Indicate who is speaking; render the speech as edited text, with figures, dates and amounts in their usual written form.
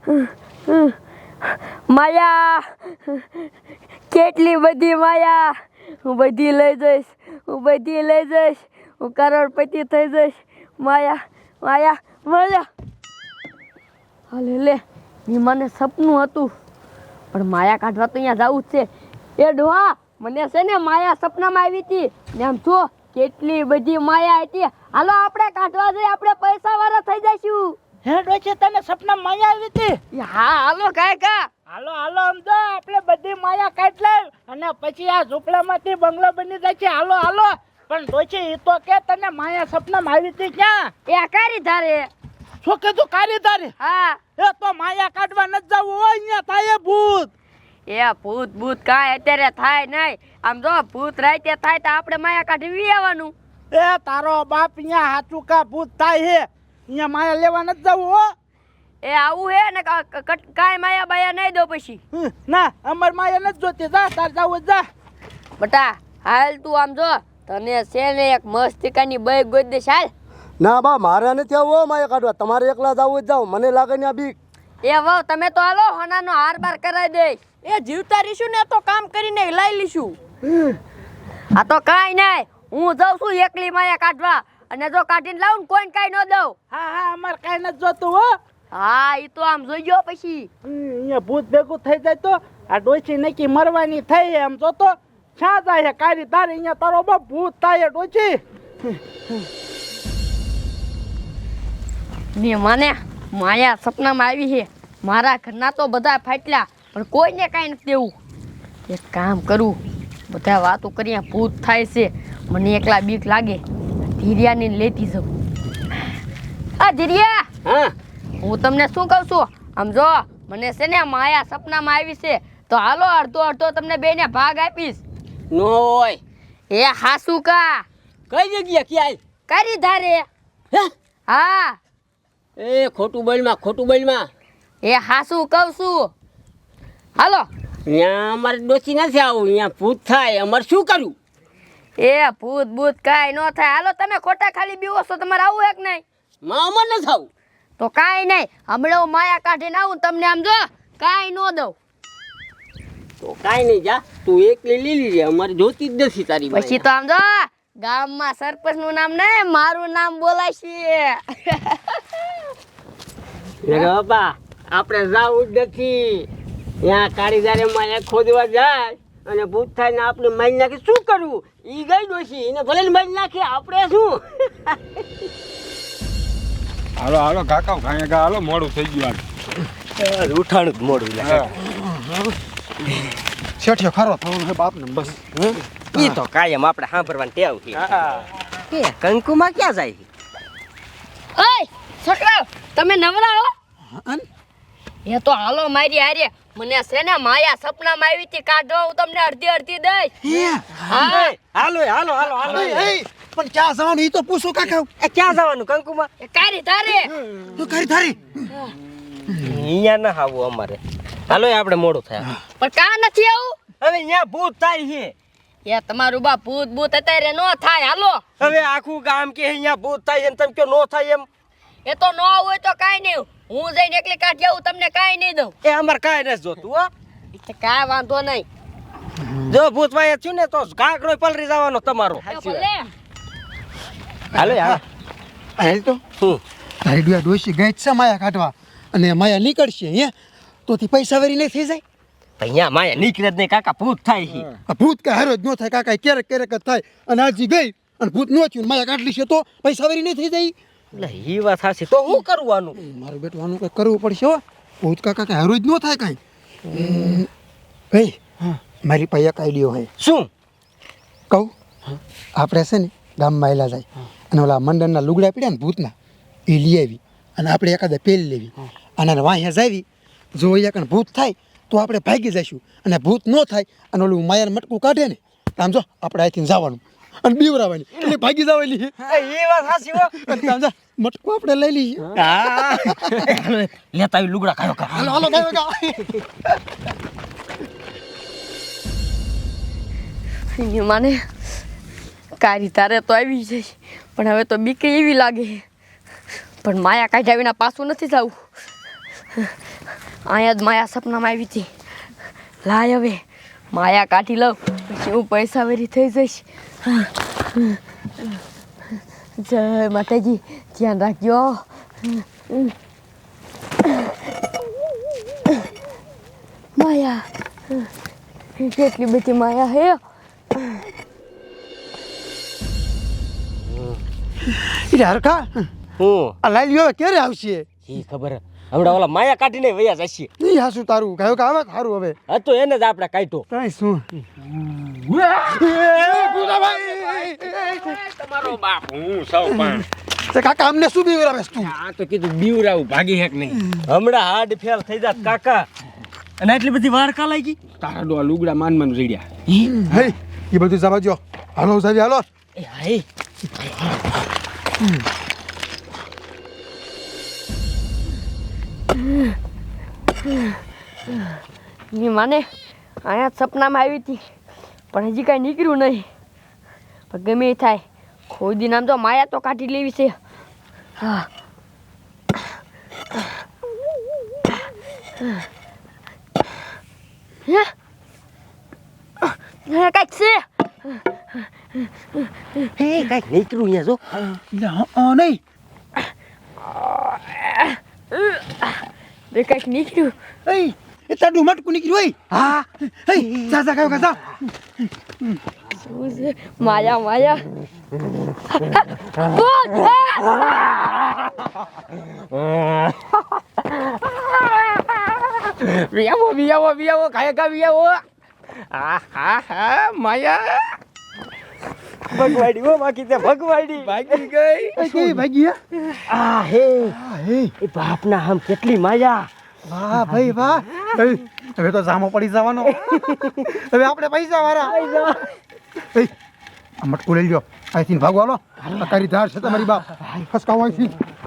Speaker 1: માયા, કેટલી બધી માયા. હું બધી લઈ જઈશ, હું કરોડપતિ થઈ જઈશ. માયા માયા માયા. હાલે લે, એ મને સપનું હતું, પણ માયા કાઢવા તો અહીંયા જવું જ છે. એ ડોહા, મને છે ને માયા સપનામાં આવી હતી ને, આમ જો કેટલી બધી માયા હતી. હાલો આપણે કાઢવા જઈએ, આપણે પૈસા વાળા થઈ જઈશું.
Speaker 2: હે ડોશી, તને સપનામાં માયા આવી હતી?
Speaker 1: હા હાલો કાકા,
Speaker 2: હાલો હાલો, સમજો આપણે બધી માયા કાઢ લઈ અને પછી આ ઝૂંપડામાંથી બંગલો બની જાય છે. હાલો હાલો. પણ ડોશી, એ તો કે તને માયા સપનામાં આવી હતી ક્યાં?
Speaker 1: એ કારી ધારે.
Speaker 2: શું કીધું? કારી ધારે?
Speaker 1: હા.
Speaker 2: એ તો માયા કાઢવા ન જવું હોય, અહીંયા થાય ભૂત.
Speaker 1: એ ભૂત કાંઈ અત્યારે થાય નહીં. આમ જો ભૂત રાતે થાય તો આપણે માયા કાઢી આવવાનું.
Speaker 2: એ તારો બાપ અહીંયા હાચું કા ભૂત થાય હે, અહીંયા માયા લેવા ન જવું હો.
Speaker 1: એ આવું હે ને, કાંઈ માયા બાયા નહીં દો પછી.
Speaker 2: ના, અમાર માયા નથી જોતી. જા તાર જાવ જા.
Speaker 1: બટા હાલ તું આમ જો, તને છે ને એક મસ્તિકાની બઈ ગોદ દે. હાલ.
Speaker 3: ના બા, મારે નથી આવું માયા કાઢવા, તમારે એકલા જાવું જ જાવ, મને લાગે ને આ બીક.
Speaker 1: એ વાવ, તમે તો હાલો હોનાનો હાર બાર કરાવી દે. એ જીવતા રહીશું ને તો કામ કરીને લઈ લઈશું. આ તો કાંઈ નહીં, હું જાઉં છું એકલી માયા કાઢવા, અને જો કાઢીને લાવું ને કોઈને કાંઈ ન દઉં.
Speaker 2: હા હા, અમાર કાંઈ નથી જોતું હો.
Speaker 1: હા, એ તો આમ જોઈ ગયો પછી.
Speaker 2: અહીંયા ભૂત ભેગું થઈ જાય તો આ ડોશી નક્કી મરવાની થઈ એમ જોતો ક્યાં જાય કારી તારે. અહીંયા તારો બાપ ભૂત થાય ડોશી.
Speaker 1: ને મને માયા સપનામાં આવી છે. મારા ઘરના તો બધા ફાટલા, પણ કોઈને કાંઈ નથી દેવું. એક કામ કરું, બધા વાતો કરીએ, ભૂત થાય છે, મને એકલા બીક લાગે. ધીરિયાને લેતી જાઉં. આ ધીરિયા,
Speaker 4: હા,
Speaker 1: હું તમને શું કહું છું, આમ જો મને છે ને માયા સપનામાં આવી છે, તો હાલો અડધો અડધો તમને બેને ભાગ આપીશ.
Speaker 4: નો હોય.
Speaker 1: એ હાસુ કા?
Speaker 4: કઈ જગ્યા ક્યાંય?
Speaker 1: કરી ધારે.
Speaker 4: હે?
Speaker 1: હા.
Speaker 4: એ ખોટું બોલમાં.
Speaker 1: એ હાસુ કહું છું. હાલો.
Speaker 4: ત્યાં અમારે ડોસી નથી આવું, અહીંયા ભૂત થાય, અમારે શું કરવું?
Speaker 1: એ ભૂત કાંઈ ન થાય. હાલો, તમે ખોટા ખાલી બીવો છો, તમારે આવું એક નહીં?
Speaker 4: અમારે નથી આવું.
Speaker 1: તો કાંઈ નહીં, હમણાં હું માયા કાઢીને આવું, તમને આમ જો કાંઈ ન દઉં.
Speaker 4: તો કાંઈ નહીં, જા તું એકલી લઈ લીજે, અમારે જોતી જ નથી તારી
Speaker 1: પછી તો આમ જો ગામમાં સરપંચ નું નામ નહીં, મારું નામ બોલાશે.
Speaker 4: બાપા, આપણે જવું જ નથી. ત્યાં કારીગરે માયા ખોદવા જાય અને ભૂત થાય ને આપણે મારી નાખી શું કરવું? ઈ ગઈ ડોશી, એને ભલે ને મારી નાખી, આપણે શું?
Speaker 5: હાલો હાલો કાકા, ગાયગા હાલો, મોડું થઈ ગયું.
Speaker 3: ઉઠાણું જ મોડું શેઠિયો ખરો થવાનું છે બાપને બસ.
Speaker 6: ઈ તો કાયમ આપણે સાંભળવાની ટેવ છે. કે કંકુમાં ક્યાં જાય?
Speaker 1: ઓય છોકરાઓ, તમે નવરા હો? એ તો હાલો મારી હારે. મને છે ને માયા સપનામાં આવી હતી, કાઢો હું તમને અડધી દઈશ. હા
Speaker 6: હાલો હાલો હાલો હાલો.
Speaker 3: પણ ક્યાં જવાનું એ તો પૂછો કાકા.
Speaker 6: ક્યાં જવાનું કંકુમાં?
Speaker 1: એ કારી ધારે.
Speaker 3: તું કરી થારી.
Speaker 6: અહીંયા ના આવું અમારે. હાલો આપણે મોડું થાય.
Speaker 1: પણ કા નથી આવું?
Speaker 6: હવે અહીંયા ભૂત થાય છે.
Speaker 1: એ તમારું બા ભૂત અત્યારે નો થાય. હાલો.
Speaker 6: હવે આખું ગામ કે અહીંયા ભૂત થાય છે, તમે કયો નો થાય એમ?
Speaker 1: એ તો નો હોય તો કાંઈ નહીં, હું જઈને એકલી કાઢી આવું, તમને કાંઈ નહીં દઉં.
Speaker 6: એ અમારે કાંઈ નથી જોતું હો.
Speaker 1: એટલે કાંઈ વાંધો નહીં.
Speaker 6: જો ભૂત વાય થયું ને તો કાંકરો પલરી જવાનો તમારો. હાલો યાર.
Speaker 3: હાલ તો તારી ડોશી ગઈ છે માયા કાઢવા, અને માયા નીકળશે હે તો તે પૈસા વેરી નહીં થઈ જાય.
Speaker 6: અહીંયા માયા નીકળે જ નહીં કાકા, ભૂત થાય છે.
Speaker 3: આ ભૂત કાંઈ હારો જ ન થાય કાકા, ક્યારેક જ થાય. અને આજી ગઈ અને ભૂત ન થયું, માયા કાઢલી છે તો પૈસા વેરી નહીં થઈ જાય.
Speaker 6: એટલે એ વાત સાચી. તો શું કરવાનું?
Speaker 3: મારું બેટું આનું કંઈક કરવું પડશે હો. ભૂત કાકા કાંઈ હારો જ ન થાય કાંઈ. ભાઈ મારી પાસે એક આઈડિયો હોય.
Speaker 6: શું
Speaker 3: કહું? આપણે છે ને ગામમાં એલા જાય અને ઓલા મંડળના લુગડા પીડ્યા ને ભૂતના એ લઈ આવી અને આપણે એકાદા પેલી લેવી અને વાંહ્યા જાવી. જો અહીંયા કણ ભૂત થાય તો આપણે ભાગી જઈશું, અને ભૂત ન થાય અને ઓલું માયાનું મટકું કાઢે ને આમ જો આપણે અહીંથી જવાનું અને બીવરાવાની એટલે ભાગી જવાની.
Speaker 6: એ વાત સાચી હો.
Speaker 3: આમ જા મટકું આપણે લઈ લઈએ.
Speaker 6: હા લેતા આવી લુગડા ખાયો કા.
Speaker 3: હાલો હાલો
Speaker 1: મને કારી તારે તો આવી જાય, પણ હવે તો બીક એવી લાગે. પણ માયા કાઢ્યા વિના પાછું નથી જવું. અહીંયા જ માયા સપનામાં આવી હતી. લાય હવે માયા કાઢી લઉં પછી હું પૈસા વેરી થઈ જઈશ. જય માતાજી, ધ્યાન રાખજો. માયા, કેટલી બધી માયા હે.
Speaker 3: એટલે હરખા
Speaker 6: હું
Speaker 3: આ લાઈ લ્યો ક્યારે આવશે?
Speaker 6: ઈ ખબર હમણાં ઓલા માયા કાઢીને વયા જશે.
Speaker 3: નહીં હાસું તારું કહ્યું કે આવે સારું હવે.
Speaker 6: હતો એને જ આપણે કાઢ્યો.
Speaker 3: કાંઈ શું
Speaker 5: તમારો બાપ હું સૌ પણ
Speaker 3: તે કાકા અમને શું બીવરાવેશ તું?
Speaker 6: આ તો કીધું બીવરાવું ભાગી હેક નહીં. હમણાં હાડ ફેલ થઈ જાત કાકા. અને આટલી બધી વાર કા લાગી?
Speaker 5: તારા ડોહા લુગડા માન રેડ્યા.
Speaker 3: હે એ બધું જવા દો. હાલો સાહેબ હાલો.
Speaker 6: એ હાય
Speaker 1: ની માને અહીંયા જ સપનામાં આવી હતી પણ હજી કાંઈ નીકળ્યું નહીં. પણ ગમે એ થાય ખોદી નામ તો માયા તો કાઢી લેવી છે. હા કાંઈક છે.
Speaker 6: હે કાંઈક નીકળ્યું અહીંયા જો.
Speaker 3: નહીં
Speaker 1: બે કાંઈક નીકળ્યું.
Speaker 3: એ તારું મટકું નીકળ્યું હોય. હા જા જા કયો જા.
Speaker 1: શું છે? માયા માયા
Speaker 6: વિયાવો કાયકા વિયાવો. માયા ભગવાડી હો બાકી તે ભગવાડી ભાગી ગઈ.
Speaker 3: કેવી ભાગી હે?
Speaker 6: આ હે
Speaker 3: હે
Speaker 6: એ બાપના આમ કેટલી માયા.
Speaker 3: વાહ ભાઈ વાહ. હવે તો જામો પડી જવાનો. હવે આપણે પૈસા વાળા. આ મટકું લઈ લ્યો. અહીંથી ભાગો હાલો. તારી ધાર છે તમારી બાપ. ખસકાવો અહીંથી.